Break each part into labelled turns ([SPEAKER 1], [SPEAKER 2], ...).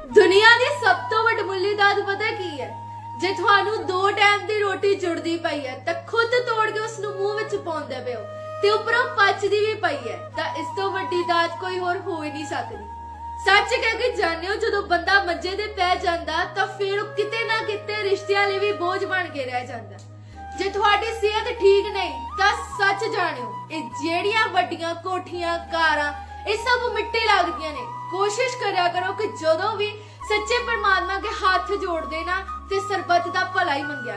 [SPEAKER 1] ਦੁਨੀਆ ਦੀ ਸਭ ਤੋਂ ਵੱਡਮੁੱਲੀ ਦਾਤ ਪਤਾ ਕੀ ਹੈ? ਜੇ ਤੁਹਾਨੂੰ 2 ਟਾਈਮ ਦੀ ਰੋਟੀ ਜੁੜਦੀ ਪਈ ਹੈ ਤਾਂ ਖੁਦ ਤੋੜ ਕੇ ਉਸ ਨੂੰ ਮੂੰਹ ਵਿੱਚ ਪਾਉਂਦੇ ਪਿਓ ਤੇ ਉੱਪਰੋਂ ਪਚਦੀ ਵੀ ਪਈ ਹੈ, ਤਾਂ ਇਸ ਤੋਂ ਵੱਡੀ ਦਾਤ ਕੋਈ ਹੋਰ ਹੋ ਹੀ ਨਹੀਂ ਸਕਦੀ। ਸੱਚ ਕਹਿ ਕੇ ਜਾਣਿਓ, ਜਦੋਂ ਬੰਦਾ ਮੰਜੇ ਤੇ ਪੈ ਜਾਂਦਾ ਤਾਂ ਫਿਰ ਉਹ ਕਿਤੇ ਨਾ ਕਿਤੇ ਰਿਸ਼ਤਿਆਂ ਲਈ ਵੀ ਬੋਝ ਬਣ ਕੇ ਰਹਿ ਜਾਂਦਾ। ਜੇ ਤੁਹਾਡੀ ਸਿਹਤ ਠੀਕ ਨਹੀਂ ਤਾਂ ਸੱਚ ਜਾਣਿਓ, ਇਹ ਜਿਹੜੀਆਂ ਵੱਡੀਆਂ ਕੋਠੀਆਂ ਕਾਰਾਂ ਇਹ ਸਭ ਮਿੱਟੀ ਲੱਗਦੀਆਂ ਨੇ। ਕੋਸ਼ਿਸ਼ ਕਰਿਆ ਕਰੋ ਕਿ ਜਦੋਂ ਵੀ ਸੱਚੇ ਪਰਮਾਤਮਾ ਕੇ ਹੱਥ ਜੋੜਦੇ ਨਾ ਤੇ ਸਰਬੱਤ ਦਾ ਭਲਾ ਹੀ ਮੰਗਿਆ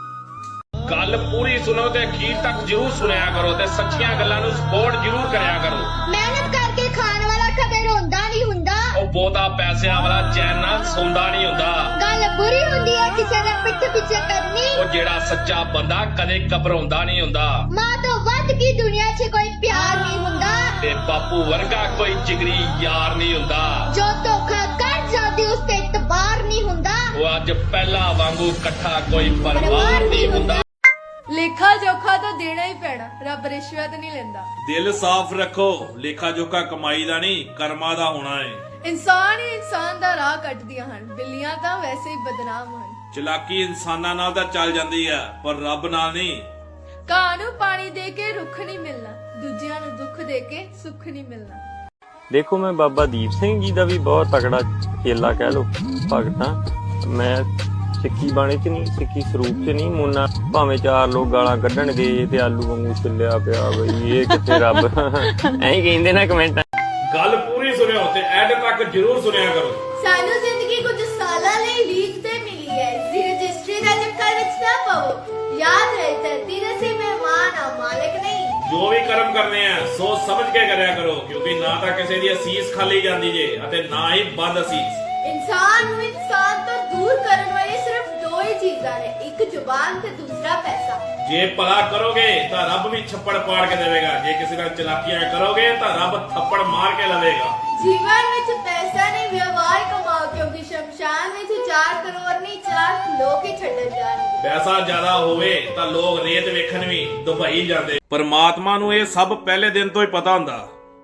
[SPEAKER 1] ਕਰੋ।
[SPEAKER 2] ਗੱਲ ਪੂਰੀ ਸੁਣੋ ਤੇ ਅਖੀਰ ਤੱਕ ਜਰੂਰ ਸੁਣਿਆ ਕਰੋ ਤੇ ਸੱਚੀਆਂ ਗੱਲਾਂ ਨੂੰ ਸਪੋਰਟ ਜਰੂਰ ਕਰਿਆ ਕਰੋ।
[SPEAKER 3] ਮਿਹਨਤ ਕਰਕੇ ਖਾਣ ਵਾਲਾ ਕਦੇ ਰੋਂਦਾ ਨਹੀਂ ਹੁੰਦਾ।
[SPEAKER 2] ਉਹ ਬਹੁਤਾ ਪੈਸਿਆਂ ਵਾਲਾ ਚੈਨ ਨਾਲ ਸੌਂਦਾ ਨਹੀਂ ਹੁੰਦਾ।
[SPEAKER 3] ਗੱਲ ਬੁਰੀ ਹੁੰਦੀ ਹੈ ਕਿਸੇ ਦੇ ਪਿੱਠ ਪਿੱਛੇ ਕਰਨੀ।
[SPEAKER 2] ਉਹ ਜਿਹੜਾ ਸੱਚਾ ਬੰਦਾ ਕਦੇ ਘਬਰਾਉਂਦਾ ਨਹੀਂ ਹੁੰਦਾ।
[SPEAKER 3] ਮਾਂ ਤੋਂ ਵੱਧ ਕੀ ਦੁਨੀਆ 'ਚ ਕੋਈ ਪਿਆਰ ਨਹੀਂ ਹੁੰਦਾ।
[SPEAKER 2] ਤੇ ਬਾਪੂ ਵਰਗਾ ਕੋਈ ਜਿਗਰੀ ਯਾਰ ਨਹੀਂ ਹੁੰਦਾ।
[SPEAKER 3] ਜੋ ਧੋਖਾ ਕਰ ਜਾਂਦੀ ਉਸ ਤੇ ਇਤਬਾਰ ਨਹੀਂ ਹੁੰਦਾ।
[SPEAKER 2] ਉਹ ਅੱਜ ਪਹਿਲਾਂ ਵਾਂਗੂ ਇਕੱਠਾ ਕੋਈ ਪਰਿਵਾਰ ਨਹੀਂ ਹੁੰਦਾ।
[SPEAKER 1] ਲੇਖਾ ਜੋਖਾ ਤਾਂ ਦੇਣਾ ਹੀ ਪੈਣਾ, ਰੱਬ ਰਿਸ਼ਵਤ ਨਹੀਂ ਲੈਂਦਾ।
[SPEAKER 4] ਦਿਲ ਸਾਫ਼ ਰੱਖੋ, ਲੇਖਾ ਜੋਖਾ ਕਮਾਈ ਦਾ ਨਹੀਂ ਕਰਮਾਂ ਦਾ ਹੋਣਾ ਹੈ।
[SPEAKER 1] ਇਨਸਾਨ ਹੀ ਇਨਸਾਨ ਦਾ ਰਾਹ ਕੱਟਦੀਆਂ ਹਨ, ਬਿੱਲੀਆਂ ਤਾਂ ਵੈਸੇ ਹੀ ਬਦਨਾਮ ਹਨ।
[SPEAKER 4] ਚਲਾਕੀ ਇਨਸਾਨਾਂ ਨਾਲ ਤਾਂ ਚੱਲ ਜਾਂਦੀ ਆ ਪਰ ਰੱਬ ਨਾਲ ਨਹੀਂ।
[SPEAKER 1] ਕਾਂ ਨੂੰ ਪਾਣੀ ਦੇ ਕੇ ਰੁੱਖ ਨਹੀਂ ਮਿਲਣਾ, ਦੂਜਿਆਂ ਨੂੰ ਦੁੱਖ ਦੇ ਕੇ ਸੁੱਖ ਨਹੀਂ ਮਿਲਣਾ।
[SPEAKER 5] ਦੇਖੋ ਮੈਂ ਬਾਬਾ ਦੀਪ ਸਿੰਘ ਜੀ ਦਾ ਵੀ ਬਹੁਤ ਤਕੜਾ ਚੇਲਾ ਕਹਿ ਲੋ ਭਗਤ ਹਾਂ। ਮੈਂ ਸਿੱਖੀ ਬਾਣੇ ਚ ਨਹੀਂ, ਸਿੱਖੀ ਸਰੂਪ ਚ ਨਹੀਂ ਮੁੰਨਾ। ਭਾਵੇਂ 4 ਲੋਕ ਗਾਲਾਂ ਕੱਢਣਗੇ ਤੇ ਆਲੂ ਵਾਂਗੂ ਚੱਲਿਆ ਪਿਆ ਬਈ ਇਹ ਕਿੱਥੇ ਰੱਬ ਐਂ ਹੀ ਕਹਿੰਦੇ ਨਾ ਕਮੈਂਟਾਂ।
[SPEAKER 4] ਗੱਲ ਪੂਰੀ ਸੁਣਿਓ ਤੇ ਐਡ ਤੱਕ ਜਰੂਰ ਸੁਣਿਆ ਕਰੋ।
[SPEAKER 1] ਸਾਨੂੰ ਜ਼ਿੰਦਗੀ ਕੁਝ ਸਾਲਾਂ ਲਈ ਲੀਕ ਤੇ ਮਿਲੀ ਹੈ, ਇਸ ਰਜਿਸਟਰੀ ਦਾ ਚੱਕਰ ਵਿੱਚ ਨਾ ਪਵੋ। ਯਾਦ ਰਹੇ ਧਰਤੀ ਦੇ ਸੀ ਮਹਿਮਾਨ ਆ, ਮਾਲਕ ਨਹੀਂ।
[SPEAKER 4] ਜੋ ਵੀ ਕਰਮ ਕਰਨੇ ਆ ਸੋਚ ਸਮਝ ਕੇ ਕਰਿਆ ਕਰੋ, ਕਿਉਂਕਿ ਨਾ ਤਾਂ ਕਿਸੇ ਦੀ ਅਸੀਸ ਖਾਲੀ ਜਾਂਦੀ ਜੇ ਅਤੇ ਨਾ ਹੀ ਬੰਦ ਅਸੀਸ।
[SPEAKER 1] ਇਨਸਾਨ ਨੂੰ ਇਨਸਾਨ ਤੋਂ ਦੂਰ ਕਰਨ ਵਾਲੀ ਸਿਰਫ 2 ਹੀ ਚੀਜ਼ਾਂ ਨੇ, ਇੱਕ ਜ਼ੁਬਾਨ ਤੇ ਦੂਸਰਾ ਪੈਸਾ।
[SPEAKER 4] ਜੇ ਭਲਾ ਕਰੋਗੇ ਤਾਂ ਰੱਬ ਵੀ ਛੱਪੜ ਪਾੜ ਕੇ ਦੇਵੇਗਾ, ਜੇ ਕਿਸੇ ਨਾਲ ਚਲਾਕੀਆਂ ਕਰੋਗੇ ਤਾਂ ਰੱਬ ਥੱਪੜ ਮਾਰ ਕੇ ਲਵੇਗਾ।
[SPEAKER 1] ਜੀਵਨ ਵਿੱਚ ਪੈਸਾ ਨਹੀਂ, ਵਿਵਹਾਰ ਕਮਾਓ, ਕਿਉਂਕਿ ਸ਼ਮਸ਼ਾਨ ਵਿੱਚ 4 ਕਰੋੜ ਨਹੀਂ 4 ਲੋਕ ਹੀ ਛੱਡਣ ਜਾਣਗੇ।
[SPEAKER 4] ਪੈਸਾ ਜ਼ਿਆਦਾ ਹੋਵੇ ਤਾਂ ਲੋਕ ਰੇਤ ਵੇਖਣ ਵੀ ਦੁਬਈ ਜਾਂਦੇ। ਪਰਮਾਤਮਾ ਨੂੰ ਇਹ ਸਭ ਪਹਿਲੇ ਦਿਨ ਤੋਂ ਹੀ ਪਤਾ ਹੁੰਦਾ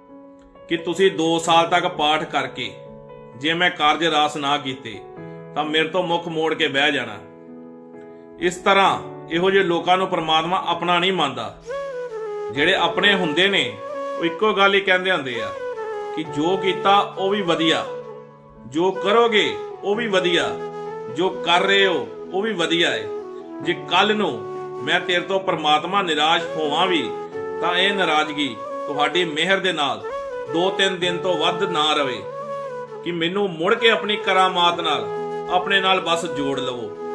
[SPEAKER 4] ਕਿ ਤੁਸੀਂ 2 ਸਾਲ ਤੱਕ ਪਾਠ ਕਰਕੇ ਜੇ ਮੈਂ ਕਾਰਜ ਰਾਸ ਨਾ ਕੀਤੇ ਤਾਂ ਮੇਰੇ ਤੋਂ ਮੁੱਖ ਮੋੜ ਕੇ ਬਹਿ ਜਾਣਾ। ਇਸ ਤਰ੍ਹਾਂ ਇਹੋ ਜਿਹੇ ਲੋਕਾਂ ਨੂੰ ਪਰਮਾਤਮਾ ਆਪਣਾ ਨਹੀਂ ਮੰਨਦਾ। ਜਿਹੜੇ ਆਪਣੇ ਹੁੰਦੇ ਨੇ ਉਹ ਇੱਕੋ ਗੱਲ ਹੀ ਕਹਿੰਦੇ ਹੁੰਦੇ ਆ ਕਿ ਜੋ ਕੀਤਾ ਉਹ ਵੀ ਵਧੀਆ, ਜੋ ਕਰੋਗੇ ਉਹ ਵੀ ਵਧੀਆ, ਜੋ ਕਰ ਰਹੇ ਹੋ ਉਹ ਵੀ ਵਧੀਆ ਹੈ। ਜੇ ਕੱਲ ਨੂੰ ਮੈਂ ਤੇਰੇ ਤੋਂ ਪਰਮਾਤਮਾ ਨਿਰਾਸ਼ ਹੋਵਾਂ ਵੀ ਤਾਂ ਇਹ ਨਾਰਾਜ਼ਗੀ ਤੁਹਾਡੀ ਮਿਹਰ ਦੇ ਨਾਲ 2-3 ਦਿਨ ਤੋਂ ਵੱਧ ਨਾ ਰਵੇ ਕਿ ਮੈਨੂੰ ਮੁੜ ਕੇ ਆਪਣੀ ਕਰਾਮਾਤ ਨਾਲ ਆਪਣੇ ਨਾਲ ਬਸ ਜੋੜ ਲਵੋ।